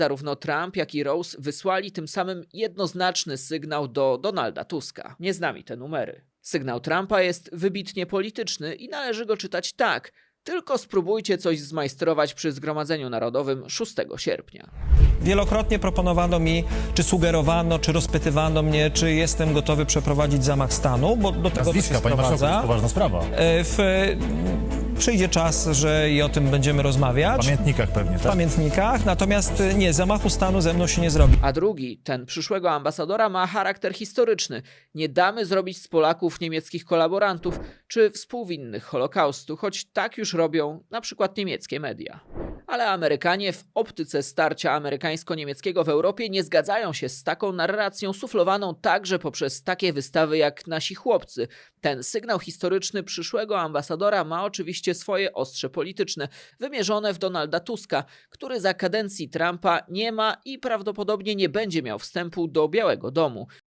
Zarówno Trump, jak i Rose wysłali tym samym jednoznaczny sygnał do Donalda Tuska. Nie znamy te numery. Sygnał Trumpa jest wybitnie polityczny i należy go czytać tak: tylko spróbujcie coś zmajstrować przy Zgromadzeniu Narodowym 6 sierpnia. Wielokrotnie proponowano mi, czy sugerowano, czy rozpytywano mnie, czy jestem gotowy przeprowadzić zamach stanu, bo do tego to się Nazwiska, panie marszałku, to jest sprowadza. poważna sprawa. Przyjdzie czas, że i o tym będziemy rozmawiać. W pamiętnikach pewnie, W tak? pamiętnikach, natomiast nie, zamachu stanu ze mną się nie zrobi. A drugi, ten przyszłego ambasadora, ma charakter historyczny. Nie damy zrobić z Polaków niemieckich kolaborantów czy współwinnych Holokaustu, choć tak już robią na przykład niemieckie media. Ale Amerykanie w optyce starcia amerykańsko-niemieckiego w Europie nie zgadzają się z taką narracją suflowaną także poprzez takie wystawy jak Nasi Chłopcy. Ten sygnał historyczny przyszłego ambasadora ma oczywiście swoje ostrze polityczne, wymierzone w Donalda Tuska, który za kadencji Trumpa nie ma i prawdopodobnie nie będzie miał wstępu do Białego Domu.